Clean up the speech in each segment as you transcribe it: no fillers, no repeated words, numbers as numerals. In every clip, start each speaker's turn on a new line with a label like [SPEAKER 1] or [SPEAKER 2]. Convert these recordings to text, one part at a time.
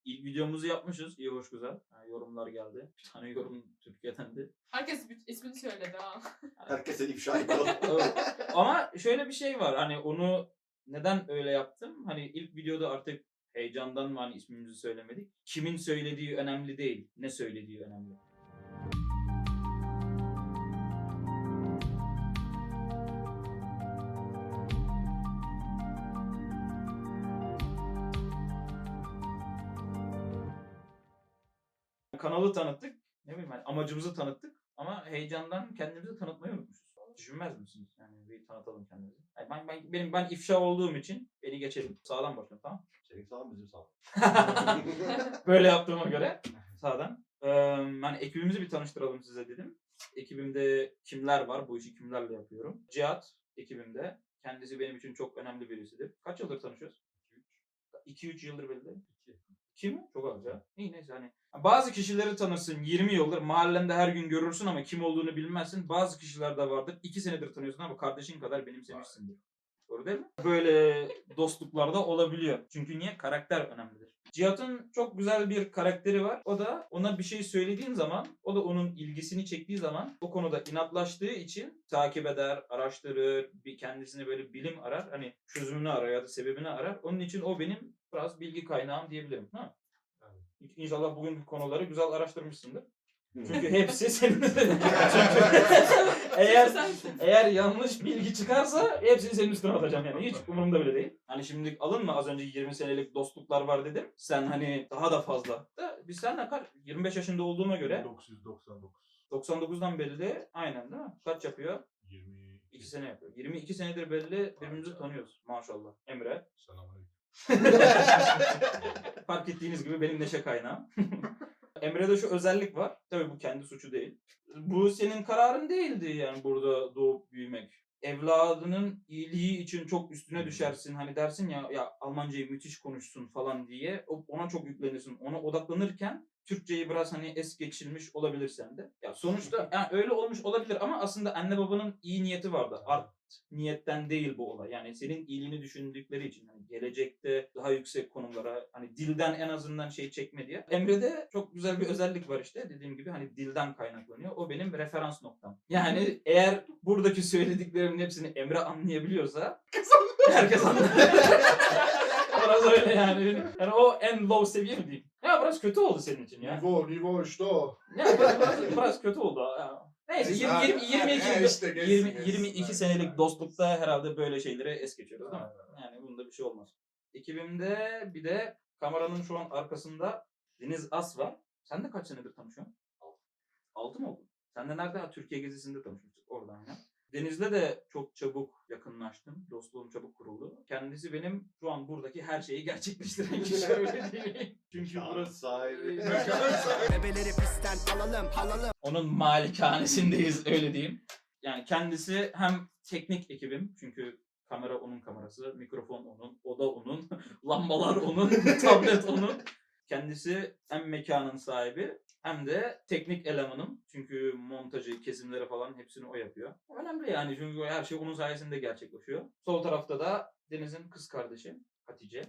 [SPEAKER 1] İlk videomuzu yapmışız. İyi hoş güzel. Yani yorumlar geldi. Bir tane yorum Türkiye'den de.
[SPEAKER 2] Herkes ismini söyledi ha.
[SPEAKER 3] Herkese ifşa ediyor.
[SPEAKER 1] Evet. Ama şöyle bir şey var. Hani onu neden öyle yaptım? Hani ilk videoda artık heyecandan mı hani ismimizi söylemedik. Kimin söylediği önemli değil. Ne söylediği önemli. Kanalı tanıttık. Ne bileyim hani amacımızı tanıttık. Ama heyecandan kendimizi tanıtmayı unutmuşuz. Düşünmez misiniz? Yani bir tanıtalım kendimizi. Yani ben ifşa olduğum için beni geçelim. Sağdan başlayalım, tamam?
[SPEAKER 3] Senin sağ bizim sağ.
[SPEAKER 1] Böyle yaptığıma göre sağdan. Yani ekibimizi bir tanıştıralım size dedim. Ekibimde kimler var? Bu işi kimlerle yapıyorum? Cihat ekibimde. Kendisi benim için çok önemli birisidir. Kaç yıldır tanışıyoruz? 2-3 yıldır belli. 2 mi? Çok az ya. İyi neyse hani. Bazı kişileri tanırsın 20 yıldır. Mahallende her gün görürsün ama kim olduğunu bilmezsin. Bazı kişiler de vardır. 2 senedir tanıyorsun ama kardeşin kadar benimsemişsindir. Doğru değil mi? Böyle dostluklar da olabiliyor. Çünkü niye? Karakter önemlidir. Cihat'ın çok güzel bir karakteri var. O da ona bir şey söylediğin zaman, o da onun ilgisini çektiği zaman o konuda inatlaştığı için takip eder, araştırır, bir kendisine böyle bilim arar. Hani çözümünü arar ya da sebebini arar. Onun için o benim biraz bilgi kaynağım diyebilirim. Ha? İnşallah bugünkü konuları güzel araştırmışsındır. Çünkü hepsi senin. eğer yanlış bilgi çıkarsa hepsini senin üstüne atacağım yani. Hiç umurumda bile değil. Hani şimdi alınma, az önce 20 senelik dostluklar var dedim. Sen hani daha da fazla. Biz seninle kaç? 25 yaşında olduğuma göre.
[SPEAKER 4] 1999.
[SPEAKER 1] 99'dan belli. Aynen değil mi? Kaç yapıyor? 22 sene yapıyor. 22 senedir belli birbirimizi tanıyoruz maşallah. Emre.
[SPEAKER 4] Selamünaleyküm.
[SPEAKER 1] Fark ettiğiniz gibi benim neşe kaynağım. Emre'de şu özellik var. Tabii bu kendi suçu değil. Bu senin kararın değildi yani burada doğup büyümek. Evladının iyiliği için çok üstüne düşersin. Hani dersin ya Almancayı müthiş konuşsun falan diye. Ona çok yüklenirsin. Ona odaklanırken Türkçeyi biraz hani es geçilmiş olabilir sende. Ya sonuçta yani öyle olmuş olabilir ama aslında anne babanın iyi niyeti vardı. Art niyetten değil bu olay. Yani senin iyiliğini düşündükleri için hani gelecekte daha yüksek konumlara hani dilden en azından şey çekme diye. Emre'de çok güzel bir özellik var işte. Dediğim gibi hani dilden kaynaklanıyor. O benim referans noktam. Yani eğer buradaki söylediklerimin hepsini Emre anlayabiliyorsa herkes anlar. Biraz öyle yani. Yani o en low seviye mi diyeyim? Ya biraz kötü oldu senin için ya.
[SPEAKER 4] Nivo işte o.
[SPEAKER 1] Ya biraz kötü oldu. Ya. Neyse 22 senelik dostlukta herhalde böyle şeyleri es geçiyoruz değil mi? Yani bunda bir şey olmaz. Ekibimde bir de kameranın şu an arkasında Deniz As var. Sen de kaç senedir tanışıyorsun? 6 mı oldu? Sen de nerede? Türkiye gezisinde tanışmıştık. Orada aynen. Deniz'le de çok çabuk yakınlaştım. Dostluğum çabuk kuruldu. Kendisi benim şu an buradaki her şeyi gerçekleştiren kişi öyle değil. Çünkü burası
[SPEAKER 3] sahibi.
[SPEAKER 5] Bebeleri pistten alalım.
[SPEAKER 1] onun malikanesindeyiz öyle diyeyim. Yani kendisi hem teknik ekibim çünkü kamera onun kamerası, mikrofon onun, oda onun, lambalar onun, tablet onun. Kendisi hem mekanın sahibi hem de teknik elemanım. Çünkü montajı, kesimleri falan hepsini o yapıyor. Önemli yani çünkü her şey onun sayesinde gerçekleşiyor. Sol tarafta da Deniz'in kız kardeşi Hatice.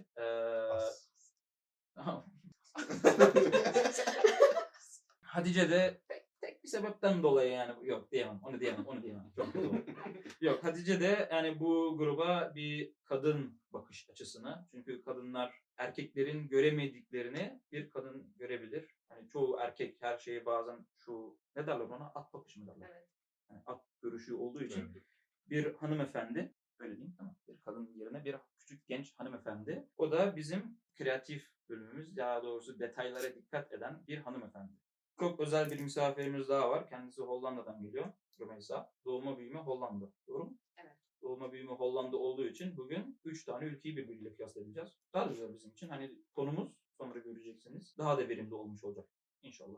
[SPEAKER 1] Hatice de tek bir sebepten dolayı yani yok diyemem onu diyemem çok kötü oldu. Yok Hatice de yani bu gruba bir kadın bakış açısını çünkü kadınlar erkeklerin göremediklerini bir kadın görebilir. Hani çoğu erkek her şeyi bazen şu ne derler ona at bakışı mı derler?
[SPEAKER 2] Evet.
[SPEAKER 1] Yani at görüşü olduğu için bir hanımefendi öyle diyeyim tamam bir kadın yerine bir küçük genç hanımefendi. O da bizim kreatif bölümümüz daha doğrusu detaylara dikkat eden bir hanımefendi. Çok özel bir misafirimiz daha var. Kendisi Hollanda'dan geliyor. Rümeysa. Doğuma büyüme Hollanda. Doğru mu?
[SPEAKER 2] Evet.
[SPEAKER 1] Doğuma büyüme Hollanda olduğu için bugün 3 tane ülkeyi birbiriyle kıyaslayacağız. Daha da güzel bizim için. Hani konumuz sonra göreceksiniz. Daha da verimli olmuş olacak. İnşallah.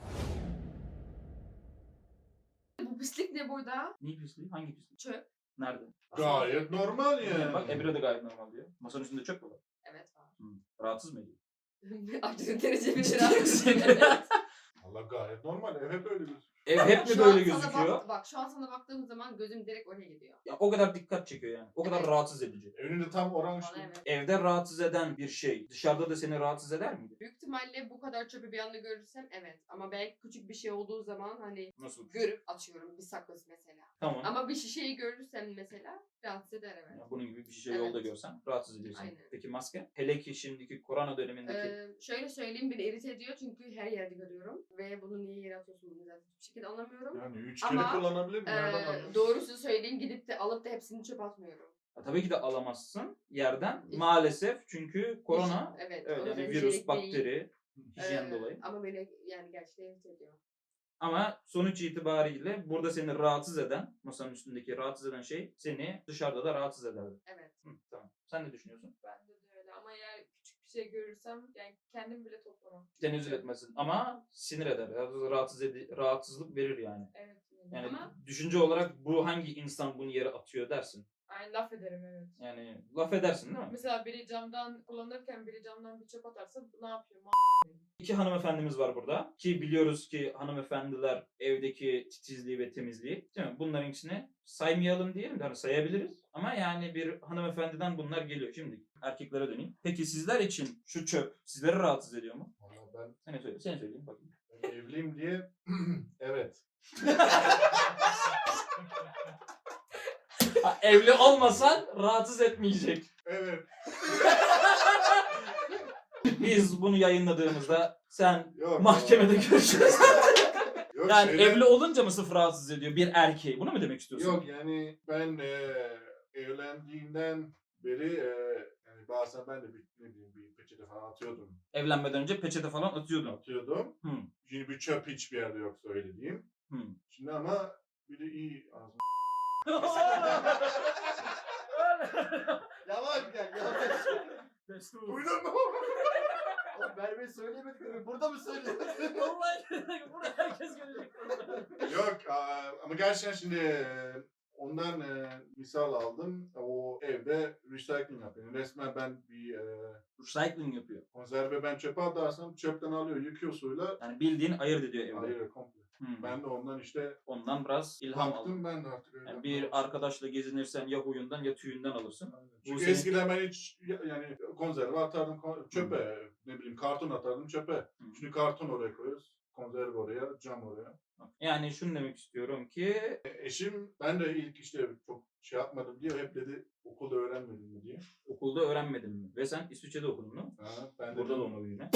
[SPEAKER 2] Bu pislik ne burada?
[SPEAKER 1] Ne pisliği? Hangi pisliği?
[SPEAKER 2] Çöp.
[SPEAKER 1] Nerede?
[SPEAKER 4] Gayet normal yani.
[SPEAKER 1] Bak Emre de gayet normal diyor. Masanın üstünde çöp mü var?
[SPEAKER 2] Evet var.
[SPEAKER 1] Rahatsız mı ediyor?
[SPEAKER 2] Artık derece bir biraz. Evet.
[SPEAKER 4] Valla gayet normal. Ev hep öyle gözüküyor.
[SPEAKER 1] Ev hep mi
[SPEAKER 2] Şu
[SPEAKER 1] böyle
[SPEAKER 2] an sana
[SPEAKER 1] gözüküyor?
[SPEAKER 2] bak şu an sana baktığım zaman gözüm direkt oraya gidiyor.
[SPEAKER 1] Ya o kadar dikkat çekiyor yani. O kadar
[SPEAKER 2] Evet.
[SPEAKER 1] rahatsız edici.
[SPEAKER 4] Önünde tam oran
[SPEAKER 2] Bana
[SPEAKER 4] işte.
[SPEAKER 2] evet.
[SPEAKER 1] Evde rahatsız eden bir şey dışarıda da seni rahatsız eder miydi?
[SPEAKER 2] Büyük ihtimalle bu kadar çöpü bir anda görürsem evet. Ama belki küçük bir şey olduğu zaman hani
[SPEAKER 1] Nasıl?
[SPEAKER 2] görüp atıyorum bir sakız mesela.
[SPEAKER 1] Tamam.
[SPEAKER 2] Ama bir şişeyi görürsem mesela rahatsız eder evet.
[SPEAKER 1] Ya bunun gibi bir şey
[SPEAKER 2] Evet.
[SPEAKER 1] yolda görsen rahatsız ediyorsun.
[SPEAKER 2] Aynen.
[SPEAKER 1] Peki maske? Hele ki şimdiki korona dönemindeki
[SPEAKER 2] Şöyle söyleyeyim beni irite ediyor çünkü her yerde görüyorum. Ve bunu niye yere atıyorsun bunu zaten hiçbir şekilde anlamıyorum.
[SPEAKER 4] Yani 3
[SPEAKER 2] Ama,
[SPEAKER 4] kere kullanabilir mi? Nereden anlıyorsun?
[SPEAKER 2] Doğrusu söyleyeyim gidip de alıp da hepsini çöpe atmıyorum.
[SPEAKER 1] ya tabii ki de alamazsın yerden
[SPEAKER 2] İşte-
[SPEAKER 1] maalesef çünkü korona
[SPEAKER 2] Evet.
[SPEAKER 1] evet,
[SPEAKER 2] o
[SPEAKER 1] yani
[SPEAKER 2] yüzden
[SPEAKER 1] virüs,
[SPEAKER 2] hijyenik değil.
[SPEAKER 1] bakteri, hijyen
[SPEAKER 2] Ee,
[SPEAKER 1] dolayı.
[SPEAKER 2] Ama beni yani gerçekten irite ediyor.
[SPEAKER 1] Ama sonuç itibariyle burada seni rahatsız eden, masanın üstündeki rahatsız eden şey seni dışarıda da rahatsız ederdi.
[SPEAKER 2] Evet.
[SPEAKER 1] Hı, tamam. Sen ne düşünüyorsun?
[SPEAKER 2] Bende de öyle ama eğer küçük bir şey görürsem yani kendim bile toplamam.
[SPEAKER 1] Tenezzül etmesin ama sinir eder. Rahatsızlık verir yani.
[SPEAKER 2] Evet.
[SPEAKER 1] Yani
[SPEAKER 2] Ama
[SPEAKER 1] düşünce olarak bu hangi insan bunu yere atıyor dersin.
[SPEAKER 2] aynı laf ederim evet.
[SPEAKER 1] Yani laf edersin değil mi?
[SPEAKER 2] Mesela biri camdan kullanırken biri camdan bir çöp atarsa ne yapıyor?
[SPEAKER 1] İki hanımefendimiz var burada. Ki biliyoruz ki hanımefendiler evdeki titizliği ve temizliği. Değil mi? Bunların ikisini saymayalım diyelim de hani sayabiliriz. Ama yani bir hanımefendiden bunlar geliyor. Şimdi erkeklere döneyim. Peki sizler için şu çöp sizleri rahatsız ediyor mu?
[SPEAKER 4] Valla
[SPEAKER 1] Sen söyle. Sen söyleyeyim bakayım.
[SPEAKER 4] ben evliyim diye evet.
[SPEAKER 1] Ha, evli olmasan rahatsız etmeyecek.
[SPEAKER 4] Evet.
[SPEAKER 1] Biz bunu yayınladığımızda sen
[SPEAKER 4] Yok.
[SPEAKER 1] mahkemede görüşürüz.
[SPEAKER 4] Yok,
[SPEAKER 1] Yani
[SPEAKER 4] şeyde-
[SPEAKER 1] evli olunca mı sıfır rahatsız ediyor bir erkeği? Bunu mu demek istiyorsun?
[SPEAKER 4] Yok yani ben evlendiğimden beri yani bazen ben de bir, ne bileyim, bir peçete falan atıyordum.
[SPEAKER 1] Evlenmeden önce peçete falan atıyordun.
[SPEAKER 4] Atıyordum.
[SPEAKER 1] Hı.
[SPEAKER 4] Şimdi bir çöp hiçbir yerde yok söylediğim.
[SPEAKER 1] Hı.
[SPEAKER 4] Şimdi ama bir de iyi ağzım.
[SPEAKER 3] Yavaş gel yavaş.
[SPEAKER 4] Duydun mu?
[SPEAKER 3] Oğlum vermeyi söyleyemedik mi? Burada mı söylemedin?
[SPEAKER 1] Vallahi burada herkes görecek.
[SPEAKER 4] Yok ama gerçekten şimdi ondan misal aldım. O evde recycling yapıyor. Yani resmen ben bir
[SPEAKER 1] Recycling yapıyor.
[SPEAKER 4] konserve ben çöpe atarsam çöpten alıyor, yıkıyor suyla.
[SPEAKER 1] Yani bildiğin ayırt ediyor evde.
[SPEAKER 4] Hayır komple.
[SPEAKER 1] Hı.
[SPEAKER 4] Ben de ondan işte
[SPEAKER 1] Ondan biraz ilham
[SPEAKER 4] baktım
[SPEAKER 1] aldın.
[SPEAKER 4] ben de artık öyle.
[SPEAKER 1] Yani bir arkadaşla gezinirsen ya huyundan ya tüyünden alırsın.
[SPEAKER 4] Aynen.
[SPEAKER 1] Bu
[SPEAKER 4] Çünkü
[SPEAKER 1] senin-
[SPEAKER 4] eskiden ben hiç yani konserve atardım çöpe. Ne bileyim karton atardım çöpe. Şimdi karton oraya koyuyoruz. Konserve oraya, cam oraya.
[SPEAKER 1] Yani şunu demek istiyorum ki
[SPEAKER 4] Eşim ben de ilk işte çok şey yapmadım diye hep dedi okulda öğrenmedin mi diye.
[SPEAKER 1] okulda öğrenmedin mi? Ve sen İsviçre'de okudun mu?
[SPEAKER 4] Ha, ben de
[SPEAKER 1] Burada
[SPEAKER 4] dedim,
[SPEAKER 1] doğma büyüme.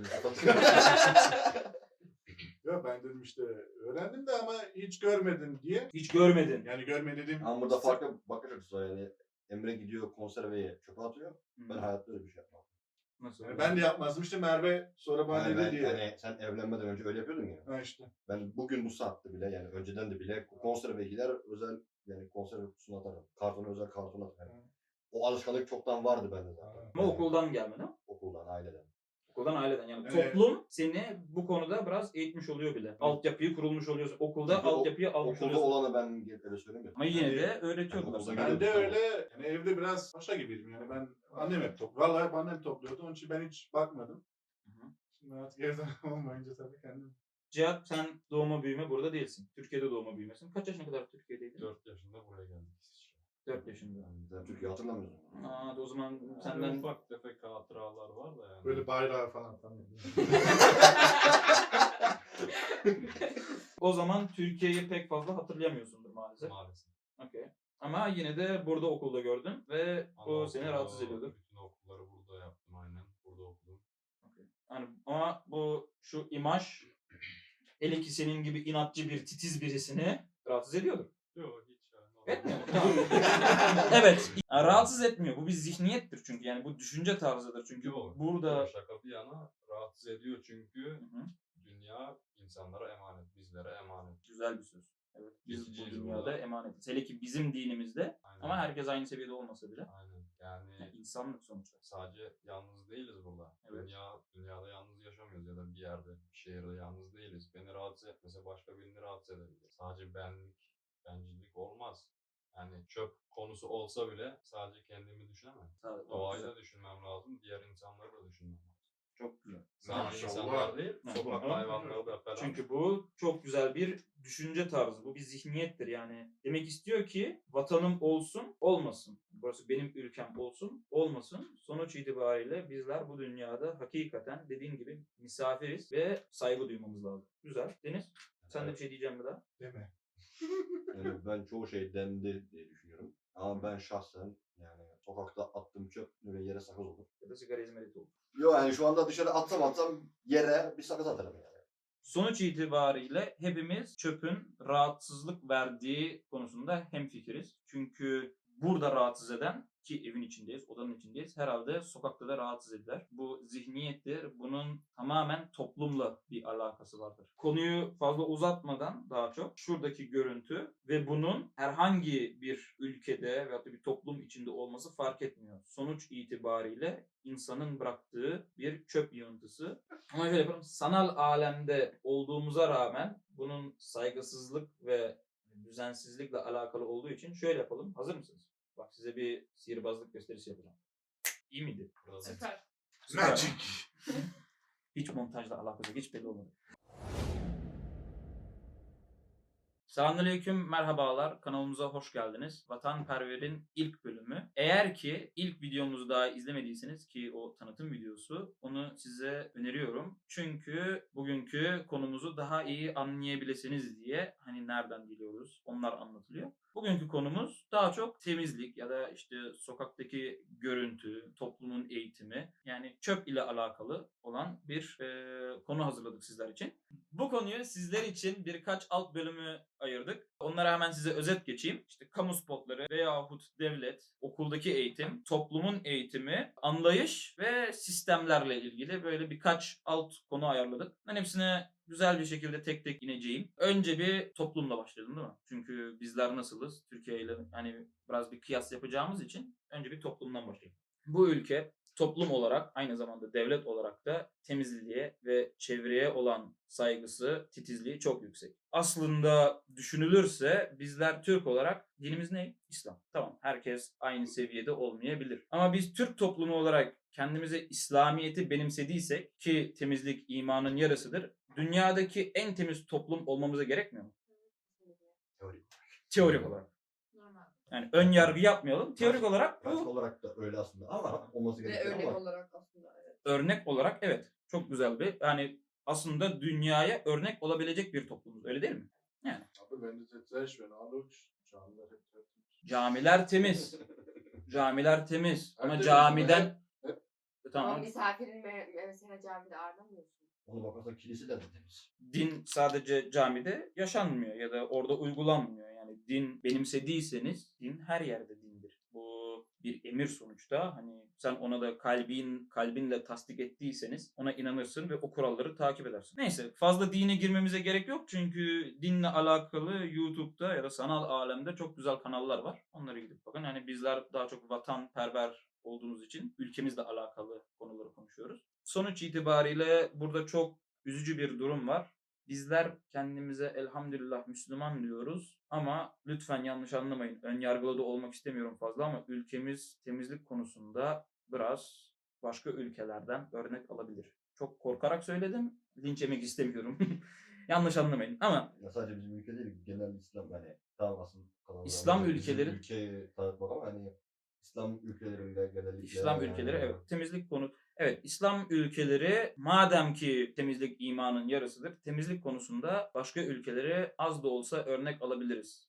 [SPEAKER 4] ya ben dedim işte öğrendim de ama hiç görmedim diye.
[SPEAKER 1] Hiç görmedin.
[SPEAKER 4] Yani görmedim.
[SPEAKER 3] Ama burada farklı bakış açısı var yani. Emre gidiyor konserveyi çöpe atıyor. Ben hayatta öyle bir şey yapmam.
[SPEAKER 1] Nasıl?
[SPEAKER 4] Yani ben de yapmazdım işte Merve sonra bana
[SPEAKER 3] Yani
[SPEAKER 4] dedi
[SPEAKER 3] ben,
[SPEAKER 4] diye.
[SPEAKER 3] yani sen evlenmeden önce öyle yapıyordun ya.
[SPEAKER 4] Ha işte.
[SPEAKER 3] Ben bugün bu saatte bile yani önceden de bile konserve gider özel yani konserve kutusuna atarım. Kartona özel karton atarım. O alışkanlık çoktan vardı bende zaten.
[SPEAKER 1] Ama okuldan gelmedi.
[SPEAKER 3] Okuldan, aileden.
[SPEAKER 1] Okuldan aileden yani
[SPEAKER 4] Evet.
[SPEAKER 1] toplum seni bu konuda biraz eğitmiş oluyor bile. Altyapıyı kurulmuş oluyorsun. Okulda
[SPEAKER 3] Çünkü
[SPEAKER 1] altyapıyı almış
[SPEAKER 3] Okulda
[SPEAKER 1] oluyorsun.
[SPEAKER 3] olanı ben öyle söylemiyorum.
[SPEAKER 1] Ama yine de öğretiyordular
[SPEAKER 3] Yani
[SPEAKER 1] sana.
[SPEAKER 3] okulda
[SPEAKER 4] Ben de
[SPEAKER 3] Tamam.
[SPEAKER 4] öyle yani evde biraz paşa gibiydim yani ben annem hep topluyordu. Vallahi hep annem topluyordu onun için ben hiç bakmadım.
[SPEAKER 1] Hı hı.
[SPEAKER 4] Şimdi artık evde olmayınca tabii kendim.
[SPEAKER 1] Cihat sen doğma büyüme burada değilsin. Türkiye'de doğma büyümesin. Kaç yaşına kadar Türkiye'deydin?
[SPEAKER 6] 4 yaşında buraya geldik.
[SPEAKER 1] 4 yaşında.
[SPEAKER 3] Sen Türkiye hatırlamıyorsun.
[SPEAKER 1] Aa, o zaman
[SPEAKER 6] Senden
[SPEAKER 1] senden
[SPEAKER 6] ufak tefek hatıralar var da yani.
[SPEAKER 4] Böyle bayrağı falan tanıyorum.
[SPEAKER 1] o zaman Türkiye'yi pek fazla hatırlayamıyorsundur maalesef.
[SPEAKER 6] Maalesef.
[SPEAKER 1] Okey. Ama yine de burada okulda gördün ve o
[SPEAKER 6] Anaokulu,
[SPEAKER 1] seni rahatsız ediyordu.
[SPEAKER 6] Bütün okulları burada yaptım aynen. Burada okudum.
[SPEAKER 1] Okey. Yani ama bu şu imaj hele ki senin gibi inatçı bir titiz birisini rahatsız ediyordu.
[SPEAKER 6] Yok hiç yani.
[SPEAKER 1] Etmiyor mu? Tamam. evet. Yani rahatsız etmiyor. Bu bir zihniyettir çünkü. Yani bu düşünce tarzıdır çünkü.
[SPEAKER 6] Yok.
[SPEAKER 1] Burada
[SPEAKER 6] Şaka bir yana rahatsız ediyor çünkü
[SPEAKER 1] Hı hı.
[SPEAKER 6] dünya insanlara emanet, bizlere emanet.
[SPEAKER 1] güzel bir söz. Evet. Biz bu
[SPEAKER 6] Geçiciyiz
[SPEAKER 1] dünyada
[SPEAKER 6] burada.
[SPEAKER 1] emanetiz. Hele ki bizim dinimizde
[SPEAKER 6] Aynen.
[SPEAKER 1] ama herkes aynı seviyede olmasa bile.
[SPEAKER 6] Aynen. Yani
[SPEAKER 1] Yani insanlık sonuçta.
[SPEAKER 6] sadece yalnız değiliz burada.
[SPEAKER 1] Evet.
[SPEAKER 6] Dünyada yalnız yaşamıyoruz ya da bir yerde, bir şehirde yalnız değiliz. Beni rahatsız etmese başka birini rahatsız edebilir. Sadece bencillik olmaz. Yani çöp konusu olsa bile sadece kendimi düşünemem.
[SPEAKER 1] Sağ ol.
[SPEAKER 6] Doğayı da düşünmem lazım, diğer insanları da düşünmem lazım.
[SPEAKER 1] Çok güzel.
[SPEAKER 6] Sen
[SPEAKER 4] Maşallah.
[SPEAKER 6] insanlar değil,
[SPEAKER 1] Hı.
[SPEAKER 6] sokak
[SPEAKER 1] Hı.
[SPEAKER 6] hayvanları da falan.
[SPEAKER 1] Çünkü bu çok güzel bir düşünce tarzı. Bu bir zihniyettir yani. Demek istiyor ki vatanım olsun, olmasın. Burası benim ülkem olsun, olmasın. Sonuç itibariyle bizler bu dünyada hakikaten dediğin gibi misafiriz ve saygı duymamız lazım. Güzel. Deniz, sen de bir şey diyeceğim mi daha?
[SPEAKER 4] Deme.
[SPEAKER 3] Yani ben çoğu şey dendi diye düşünüyorum. Ama ben şahsen yani sokakta attığım çöp ve yere sakız olur.
[SPEAKER 1] Ya da sigara izmariti olur.
[SPEAKER 3] Yok yani şu anda dışarı atsam yere bir sakız atarım yani.
[SPEAKER 1] Sonuç itibariyle hepimiz çöpün rahatsızlık verdiği konusunda hemfikiriz. Çünkü burada rahatsız eden, ki evin içindeyiz, odanın içindeyiz, herhalde sokakta da rahatsız eder. Bu zihniyettir. Bunun tamamen toplumla bir alakası vardır. Konuyu fazla uzatmadan daha çok şuradaki görüntü ve bunun herhangi bir ülkede veyahut da bir toplum içinde olması fark etmiyor. Sonuç itibariyle insanın bıraktığı bir çöp yığıntısı. Ama şöyle yapalım. Sanal alemde olduğumuza rağmen bunun saygısızlık ve düzensizlikle alakalı olduğu için şöyle yapalım. Hazır mısınız? Bak size bir sihirbazlık gösterisi yapacağım. İyi miydi?
[SPEAKER 6] Burada da-
[SPEAKER 2] Süper.
[SPEAKER 1] Süper.
[SPEAKER 4] Magic.
[SPEAKER 1] Hiç montajla alakası yok. Hiç belli olmadı. Selamünaleyküm, merhabalar. Kanalımıza hoş geldiniz. Vatanperver'in ilk bölümü. Eğer ki ilk videomuzu daha izlemediyseniz ki o tanıtım videosu, onu size öneriyorum. Çünkü bugünkü konumuzu daha iyi anlayabilirsiniz diye hani nereden geliyoruz onlar anlatılıyor. Bugünkü konumuz daha çok temizlik ya da işte sokaktaki görüntü, toplumun eğitimi yani çöp ile alakalı olan bir konu hazırladık sizler için. Bu konuyu sizler için birkaç alt bölümü ayırdık. Onlara hemen size özet geçeyim. İşte kamu spotları veyahut devlet, okuldaki eğitim, toplumun eğitimi, anlayış ve sistemlerle ilgili böyle birkaç alt konu ayarladık. Ben hepsine güzel bir şekilde tek tek ineceğim. Önce bir toplumla başlayalım değil mi? Çünkü bizler nasılız? Türkiye ile hani biraz bir kıyas yapacağımız için önce bir toplumdan başlayalım. Bu ülke toplum olarak aynı zamanda devlet olarak da temizliğe ve çevreye olan saygısı, titizliği çok yüksek. Aslında düşünülürse bizler Türk olarak dinimiz ne? İslam. Tamam, herkes aynı seviyede olmayabilir. Ama biz Türk toplumu olarak kendimize İslamiyet'i benimsediysek ki temizlik imanın yarısıdır. Dünyadaki en temiz toplum olmamıza gerekmiyor mu?
[SPEAKER 3] Teorik.
[SPEAKER 1] Teorik olarak.
[SPEAKER 2] Normal.
[SPEAKER 1] Yani ön yargı yapmayalım. Teorik olarak
[SPEAKER 3] Pratik
[SPEAKER 1] bu
[SPEAKER 3] olarak da öyle aslında ama olması
[SPEAKER 2] Ve
[SPEAKER 3] gerekiyor
[SPEAKER 2] örnek
[SPEAKER 3] ama
[SPEAKER 2] olarak aslında evet.
[SPEAKER 1] örnek olarak evet çok güzel bir yani aslında dünyaya örnek olabilecek bir toplumuz öyle değil mi? Yani
[SPEAKER 4] Aber wenn du es jetzt sehr schön anschaust, camiler hep tertemiz.
[SPEAKER 1] camiler temiz. Camiler temiz ama
[SPEAKER 4] Temiz,
[SPEAKER 1] camiden
[SPEAKER 4] hep.
[SPEAKER 2] Ama
[SPEAKER 1] tamam
[SPEAKER 2] misafirin mesela camide ağırlamıyorsun.
[SPEAKER 3] ona bakarsan kilise de temiz.
[SPEAKER 1] din sadece camide yaşanmıyor ya da orada uygulanmıyor. Yani din benimsediyseniz din her yerde dindir. Bu bir emir sonuçta. Hani sen ona da kalbinle tasdik ettiyseniz ona inanırsın ve o kuralları takip edersin. Neyse fazla dine girmemize gerek yok çünkü dinle alakalı YouTube'da ya da sanal alemde çok güzel kanallar var. Onlara gidip bakın. Yani bizler daha çok vatanperver olduğumuz için ülkemizle alakalı konuları konuşuyoruz. Sonuç itibariyle burada çok üzücü bir durum var. Bizler kendimize elhamdülillah Müslüman diyoruz ama lütfen yanlış anlamayın. Ön yargılı da olmak istemiyorum fazla ama ülkemiz temizlik konusunda biraz başka ülkelerden örnek alabilir. Çok korkarak söyledim. Linç yemek istemiyorum. Yanlış anlamayın ama
[SPEAKER 3] Ya sadece bizim ülke değil, genel İslam yani tamam aslında kalan
[SPEAKER 1] İslam
[SPEAKER 3] bizim
[SPEAKER 1] ülkeleri-
[SPEAKER 3] ülkeyi tanıtmak ama hani İslam ülkelerinde genellikle
[SPEAKER 1] İslam ülkeleri evet temizlik konu. Evet İslam ülkeleri madem ki temizlik imanın yarısıdır. Temizlik konusunda başka ülkelere az da olsa örnek alabiliriz.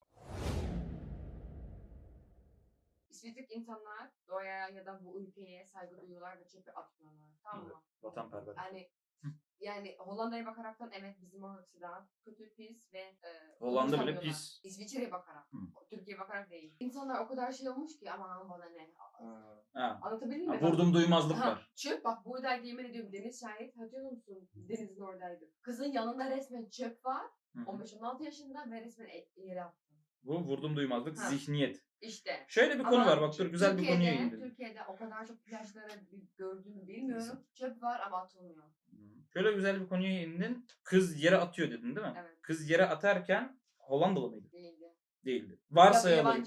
[SPEAKER 2] İşsizlik insanlar doğaya ya da bu ülkeye saygı duyuyorlar ve çöpe atmıyorlar. Tamam mı?
[SPEAKER 1] Vatanperver.
[SPEAKER 2] Yani Hollanda'ya bakaraktan evet bizim o açıdan kötü, pis ve
[SPEAKER 1] Hollanda bile
[SPEAKER 2] umursamıyorlar.
[SPEAKER 1] pis.
[SPEAKER 2] İsviçre'ye bakarak.
[SPEAKER 1] Hı.
[SPEAKER 2] Türkiye'ye bakarak değil. İnsanlar o kadar şey olmuş ki aman bana ne.
[SPEAKER 1] Ha.
[SPEAKER 2] Anlatabildim mi?
[SPEAKER 1] Vurdum duymazlık
[SPEAKER 2] Ha,
[SPEAKER 1] var.
[SPEAKER 2] çöp bak buradaydı yemin ediyorum Deniz şahit hatırlıyor musun? Deniz'in oradaydı. Kızın yanında resmen çöp var.
[SPEAKER 1] Hı hı.
[SPEAKER 2] 15-16 yaşında ve resmen yere attı.
[SPEAKER 1] Bu vurdum duymazlık
[SPEAKER 2] Ha.
[SPEAKER 1] zihniyet.
[SPEAKER 2] İşte.
[SPEAKER 1] Şöyle bir konu
[SPEAKER 2] Ama
[SPEAKER 1] var bak dur güzel bir konuya indim.
[SPEAKER 2] Türkiye'de o kadar çok plajları gördüğümü bilmiyorum. Çöp var ama atılmıyor.
[SPEAKER 1] Şöyle güzel bir konuya indin. Kız yere atıyor dedin değil mi?
[SPEAKER 2] Evet.
[SPEAKER 1] Kız yere atarken Hollandalı mıydı?
[SPEAKER 2] Değildi.
[SPEAKER 1] Değildi. Varsayalım.
[SPEAKER 2] Yabancı değil.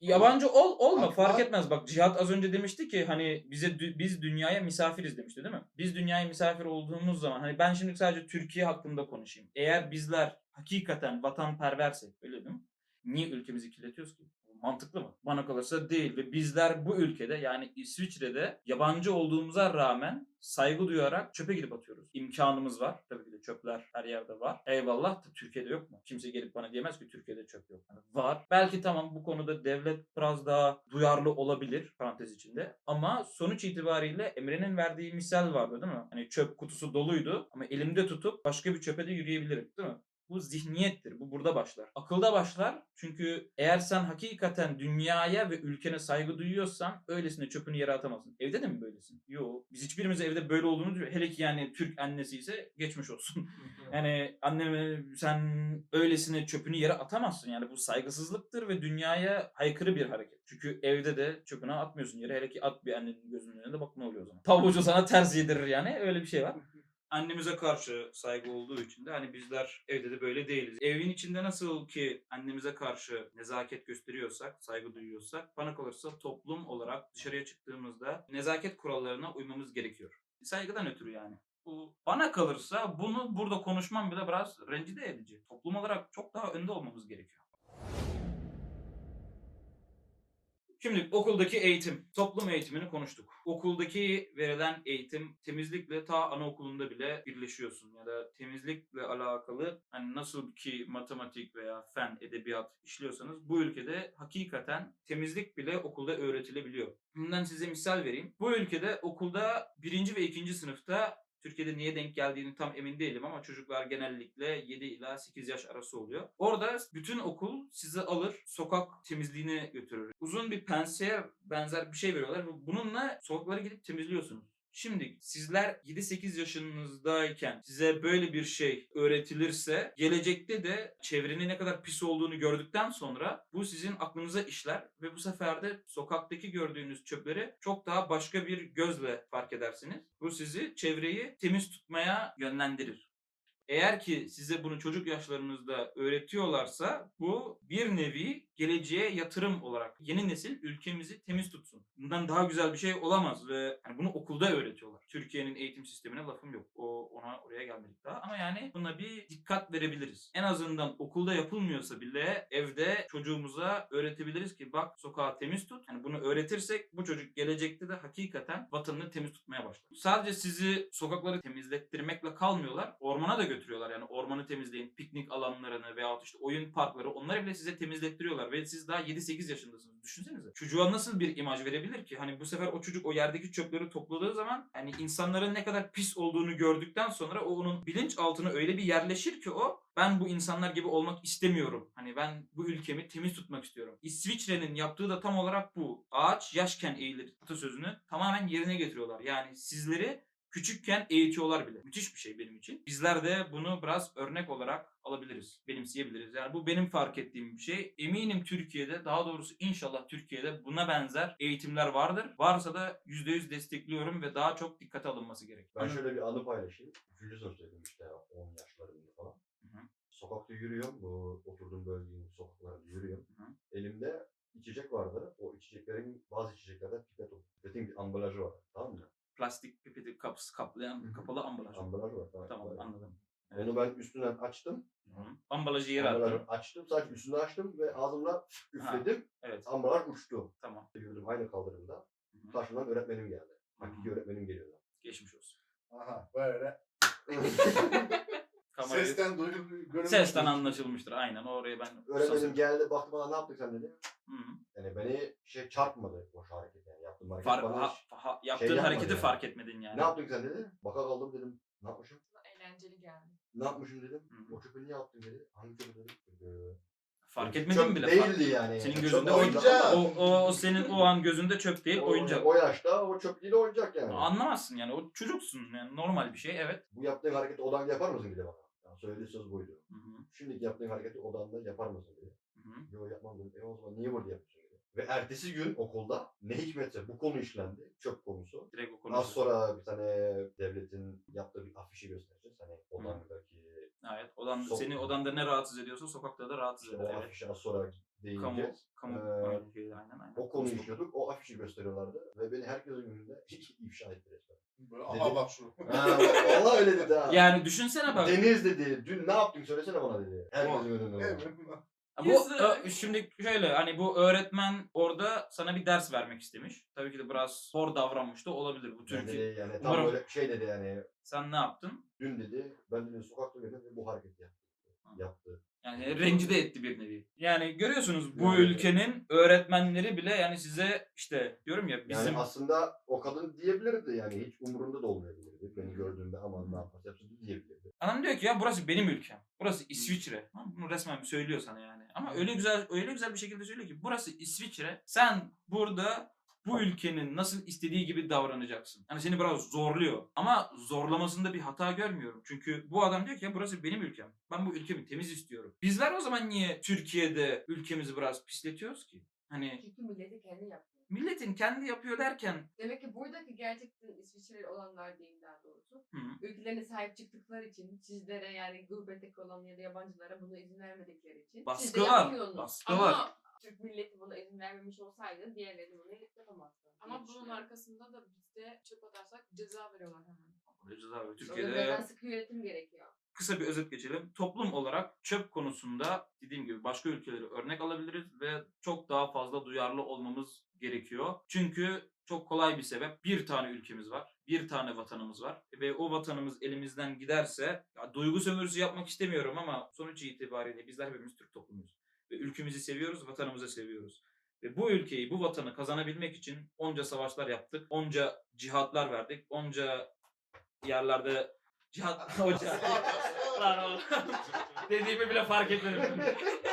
[SPEAKER 1] Yabancı olma
[SPEAKER 4] Ama-
[SPEAKER 1] fark etmez. Bak Cihat az önce demişti ki hani biz dünyaya misafiriz demişti değil mi? Biz dünyaya misafir olduğumuz zaman hani ben şimdi sadece Türkiye hakkında konuşayım. Eğer bizler hakikaten vatanperversek öyle değil mi? Niye ülkemizi kirletiyoruz ki? Mantıklı mı? Bana kalırsa değil ve bizler bu ülkede yani İsviçre'de yabancı olduğumuza rağmen saygı duyarak çöpe gidip atıyoruz. İmkanımız var. Tabii ki de çöpler her yerde var. Eyvallah da Türkiye'de yok mu? Kimse gelip bana diyemez ki Türkiye'de çöp yok. Yani var. Belki tamam bu konuda devlet biraz daha duyarlı olabilir parantez içinde. Ama sonuç itibariyle Emre'nin verdiği misal vardı değil mi? Hani çöp kutusu doluydu ama elimde tutup başka bir çöpe de yürüyebilirim değil mi? Bu zihniyettir. Bu burada başlar. Akılda başlar. Çünkü eğer sen hakikaten dünyaya ve ülkene saygı duyuyorsan öylesine çöpünü yere atamazsın. Evde de mi böylesin? Yok. Biz hiçbirimiz evde böyle olduğunu diyor. Hele ki yani Türk annesi ise geçmiş olsun. Yani anneme sen öylesine çöpünü yere atamazsın. Yani bu saygısızlıktır ve dünyaya aykırı bir hareket. Çünkü evde de çöpünü atmıyorsun yere. Hele ki at bir annenin gözünün önünde bak ne oluyor o zaman. Tavucu sana ters yedirir yani. Öyle bir şey var. Annemize karşı saygı olduğu için de hani bizler evde de böyle değiliz. Evin içinde nasıl ki annemize karşı nezaket gösteriyorsak, saygı duyuyorsak bana kalırsa toplum olarak dışarıya çıktığımızda nezaket kurallarına uymamız gerekiyor. Saygıdan ötürü yani. Bu bana kalırsa bunu burada konuşmam bile biraz rencide edici. Toplum olarak çok daha önde olmamız gerekiyor. Şimdi okuldaki eğitim, toplum eğitimini konuştuk. Okuldaki verilen eğitim temizlikle ta anaokulunda bile birleşiyorsun ya da temizlikle alakalı hani nasıl ki matematik veya fen, edebiyat işliyorsanız bu ülkede hakikaten temizlik bile okulda öğretilebiliyor. Bundan size misal vereyim. Bu ülkede okulda 1. ve 2. sınıfta Türkiye'de niye denk geldiğini tam emin değilim ama çocuklar genellikle 7 ila 8 yaş arası oluyor. Orada bütün okul sizi alır, sokak temizliğine götürür. Uzun bir penseye benzer bir şey veriyorlar ve bununla sokakları gidip temizliyorsunuz. Şimdi sizler 7-8 yaşınızdayken size böyle bir şey öğretilirse gelecekte de çevrenin ne kadar pis olduğunu gördükten sonra bu sizin aklınıza işler ve bu sefer de sokaktaki gördüğünüz çöpleri çok daha başka bir gözle fark edersiniz. Bu sizi çevreyi temiz tutmaya yönlendirir. Eğer ki size bunu çocuk yaşlarınızda öğretiyorlarsa bu bir nevi geleceğe yatırım olarak yeni nesil ülkemizi temiz tutsun. Bundan daha güzel bir şey olamaz ve yani bunu okulda öğretiyorlar. Türkiye'nin eğitim sistemine lafım yok. Oraya gelmedik daha ama yani buna bir dikkat verebiliriz. En azından okulda yapılmıyorsa bile evde çocuğumuza öğretebiliriz ki bak sokağı temiz tut. Yani bunu öğretirsek bu çocuk gelecekte de hakikaten vatanını temiz tutmaya başlar. Sadece sizi sokakları temizlettirmekle kalmıyorlar. Ormana da götürüyorlar. Yani ormanı temizleyin, piknik alanlarını veyahut işte oyun parkları onları bile size temizlettiriyorlar ve siz daha 7-8 yaşındasınız. Düşünsenize. Çocuğa nasıl bir imaj verebilir ki? Hani bu sefer o çocuk o yerdeki çöpleri topladığı zaman hani insanların ne kadar pis olduğunu gördükten sonra o onun bilinçaltına öyle bir yerleşir ki o ben bu insanlar gibi olmak istemiyorum. Hani ben bu ülkemi temiz tutmak istiyorum. İsviçre'nin yaptığı da tam olarak bu. Ağaç yaşken eğilir atasözünü tamamen yerine getiriyorlar. Yani sizleri küçükken eğitiyorlar bile. Müthiş bir şey benim için. Bizler de bunu biraz örnek olarak alabiliriz, benimseyebiliriz. Yani bu benim fark ettiğim bir şey. Eminim Türkiye'de, daha doğrusu inşallah Türkiye'de buna benzer eğitimler vardır. Varsa da %100 destekliyorum ve daha çok dikkate alınması gerek.
[SPEAKER 3] Ben şöyle bir anı paylaşayım. 3. sınıftaydım işte 10 yaşlarında falan.
[SPEAKER 1] Hı.
[SPEAKER 3] Sokakta yürüyorum. Bu oturduğum bölgenin sokaklarında yürüyorum.
[SPEAKER 1] Hı.
[SPEAKER 3] Elimde içecek vardı. O içeceklerin bazı içeceklerde pipet oldu. Pipetin bir ambalajı var. Tamam mı?
[SPEAKER 1] Plastik pipeti kaplayan kapalı ambalaj.
[SPEAKER 3] Ambalaj var.
[SPEAKER 1] Tamam
[SPEAKER 3] Böyle.
[SPEAKER 1] anladım. Evet.
[SPEAKER 3] Onu ben üstünden açtım.
[SPEAKER 1] Hı. Ambalajı yere
[SPEAKER 3] Ambalajı
[SPEAKER 1] attım.
[SPEAKER 3] açtım. Sadece üstünü açtım ve ağzımla üfledim.
[SPEAKER 1] Evet.
[SPEAKER 3] Ambalaj uçtu.
[SPEAKER 1] Tamam.
[SPEAKER 3] Yürüdüm aynı kaldırımda.
[SPEAKER 1] Hı.
[SPEAKER 3] Karşımdan öğretmenim geldi.
[SPEAKER 1] Hı.
[SPEAKER 3] Hakiki öğretmenim geliyordu.
[SPEAKER 1] Geçmiş olsun.
[SPEAKER 4] Aha böyle.
[SPEAKER 1] Kamerayı...
[SPEAKER 4] Sesten duydum. görünmüş.
[SPEAKER 1] Sesten anlaşılmıştır. Aynen oraya ben...
[SPEAKER 3] Öğretmenim geldi baktı bana ne yaptık sen dedi.
[SPEAKER 1] Hı.
[SPEAKER 3] Yani beni çarpmadı o hareket yani yaptığım hareket. bana
[SPEAKER 1] Yaptığın
[SPEAKER 3] yapmadı
[SPEAKER 1] hareketi
[SPEAKER 3] yani.
[SPEAKER 1] fark etmedin yani.
[SPEAKER 3] Ne yaptın sen dedi. Baka kaldım dedim. Ne yapmışım?
[SPEAKER 2] Eğlenceli geldi.
[SPEAKER 3] Ne yapmışım dedim.
[SPEAKER 1] Hı.
[SPEAKER 3] O çöpü niye yaptın dedi. Hangi çöpü dedim.
[SPEAKER 1] Fark etmedin
[SPEAKER 3] Çöp
[SPEAKER 1] bile.
[SPEAKER 3] değildi yani.
[SPEAKER 1] Senin
[SPEAKER 3] Çöp
[SPEAKER 1] gözünde
[SPEAKER 4] oyuncak.
[SPEAKER 1] o senin o an gözünde çöp değil oyuncak.
[SPEAKER 3] O yaşta o çöp değil oyuncak yani.
[SPEAKER 1] Anlamazsın yani o çocuksun yani normal bir şey evet.
[SPEAKER 3] Bu yaptığın hareketi odanda yapar mısın dedi bana. Yani söylediği söz buydu.
[SPEAKER 1] Hı.
[SPEAKER 3] Şimdiki yaptığın hareketi odanda yapar mısın dedi.
[SPEAKER 1] Hı.
[SPEAKER 3] Yok yapmam dedim. O zaman niye burada yapıyorsun dedi. Ve ertesi gün okulda ne hikmetse bu konu işlendi. Çöp konusu.
[SPEAKER 1] Direkt o konuda.
[SPEAKER 3] Az sonra bir tane devletin yaptığı bir afişi göstereceğiz. Hani odandaki
[SPEAKER 1] Evet. Seni
[SPEAKER 3] Sok-
[SPEAKER 1] odanda ne rahatsız ediyorsa sokakta da rahatsız
[SPEAKER 3] işte
[SPEAKER 1] eder.
[SPEAKER 3] o
[SPEAKER 1] Evet.
[SPEAKER 3] afişi az sonra deyince
[SPEAKER 1] Kamu
[SPEAKER 3] Ee,
[SPEAKER 1] şeyi, aynen.
[SPEAKER 3] o konuyu işliyorduk. O afişi gösteriyorlardı ve beni herkesin önünde ifşa etti resmen.
[SPEAKER 4] Böyle, aha bak şu.
[SPEAKER 3] Ha, vallahi öyle dedi ha.
[SPEAKER 1] Yani düşünsene bak.
[SPEAKER 3] Deniz dedi, dün ne yaptın söylesene bana dedi. Herkesin önünde.
[SPEAKER 4] Evet.
[SPEAKER 1] Bu şimdi şöyle hani bu öğretmen orada sana bir ders vermek istemiş. Tabii ki de biraz hor davranmış da olabilir bu
[SPEAKER 3] Yani,
[SPEAKER 1] Türkiye.
[SPEAKER 3] dedi, yani tam
[SPEAKER 1] Umarım-
[SPEAKER 3] böyle şey dedi yani.
[SPEAKER 1] Sen ne yaptın?
[SPEAKER 3] Dün dedi, ben dedi sokakta gördüm ve bu hareketi yaptı.
[SPEAKER 1] Yani rencide etti bir nevi. Yani görüyorsunuz bu
[SPEAKER 3] Yani-
[SPEAKER 1] ülkenin öğretmenleri bile yani size işte diyorum ya bizim
[SPEAKER 3] Yani aslında o kadın diyebilirdi yani hiç umurunda da olmayabilirdi. Beni gördüğünde aman ne yaparsa yapsın diyebilirdi.
[SPEAKER 1] adam diyor ki ya burası benim ülkem. Burası İsviçre. Ha, bunu resmen söylüyor sana yani. Ama öyle güzel bir şekilde söylüyor ki burası İsviçre. Sen burada bu ülkenin nasıl istediği gibi davranacaksın. Hani seni biraz zorluyor. Ama zorlamasında bir hata görmüyorum. Çünkü bu adam diyor ki ya burası benim ülkem. Ben bu ülkemi temiz istiyorum. Bizler o zaman niye Türkiye'de ülkemizi biraz pisletiyoruz ki? Hani
[SPEAKER 2] Çünkü milleti kendi yapıyor.
[SPEAKER 1] milletin kendi yapıyor derken
[SPEAKER 2] Demek ki buradaki gerçekten İsviçreli olanlar değil daha doğrusu.
[SPEAKER 1] hı,
[SPEAKER 2] Ülkelerine sahip çıktıkları için sizlere yani gurbetteki olan ya da yabancılara buna izin vermedikleri için. siz de
[SPEAKER 1] baskı var.
[SPEAKER 2] yapmıyorsunuz.
[SPEAKER 1] Baskı var.
[SPEAKER 7] Ama
[SPEAKER 2] Türk milleti buna izin vermemiş olsaydı diğerleri bunu yapamazdı. diye
[SPEAKER 7] ama bunun
[SPEAKER 2] düşünüyorum.
[SPEAKER 7] arkasında da bizde çöp atarsak ceza veriyorlar hemen.
[SPEAKER 1] Göreceğiz abi.
[SPEAKER 2] O yüzden
[SPEAKER 1] Türkiye'de
[SPEAKER 2] sıkı yönetim gerekiyor.
[SPEAKER 1] kısa bir özet geçelim. Toplum olarak çöp konusunda dediğim gibi başka ülkeleri örnek alabiliriz ve çok daha fazla duyarlı olmamız gerekiyor. Çünkü çok kolay bir sebep. Bir tane ülkemiz var. Bir tane vatanımız var. Ve o vatanımız elimizden giderse ya duygu sömürüsü yapmak istemiyorum ama sonuç itibariyle bizler hepimiz Türk toplumuyuz. Ve ülkemizi seviyoruz, vatanımızı seviyoruz. Ve bu ülkeyi, bu vatanı kazanabilmek için onca savaşlar yaptık. Onca cihatlar verdik. Onca yerlerde cihat hoca. Lan oğlum. Dediğimi bile fark etmedim.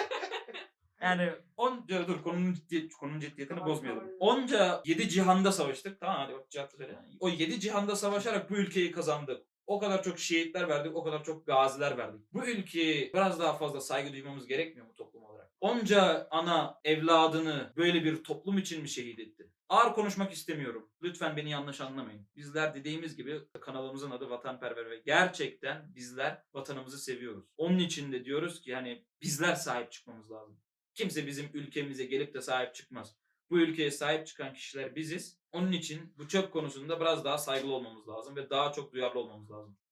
[SPEAKER 1] Yani dur konunun ciddiyetini
[SPEAKER 2] Tamam,
[SPEAKER 1] bozmayalım.
[SPEAKER 2] tamam.
[SPEAKER 1] Onca 7 cihanda savaştık. Tamam hadi bak cihatı söyle. O 7 cihanda savaşarak bu ülkeyi kazandık. O kadar çok şehitler verdik, o kadar çok gaziler verdik. Bu ülkeye biraz daha fazla saygı duymamız gerekmiyor mu toplum olarak? Onca ana evladını böyle bir toplum için mi şehit etti? Ağır konuşmak istemiyorum. Lütfen beni yanlış anlamayın. Bizler dediğimiz gibi kanalımızın adı Vatanperver ve gerçekten bizler vatanımızı seviyoruz. Onun için de diyoruz ki hani bizler sahip çıkmamız lazım. Kimse bizim ülkemize gelip de sahip çıkmaz. Bu ülkeye sahip çıkan kişiler biziz. Onun için bu çöp konusunda biraz daha saygılı olmamız lazım ve daha çok duyarlı olmamız lazım.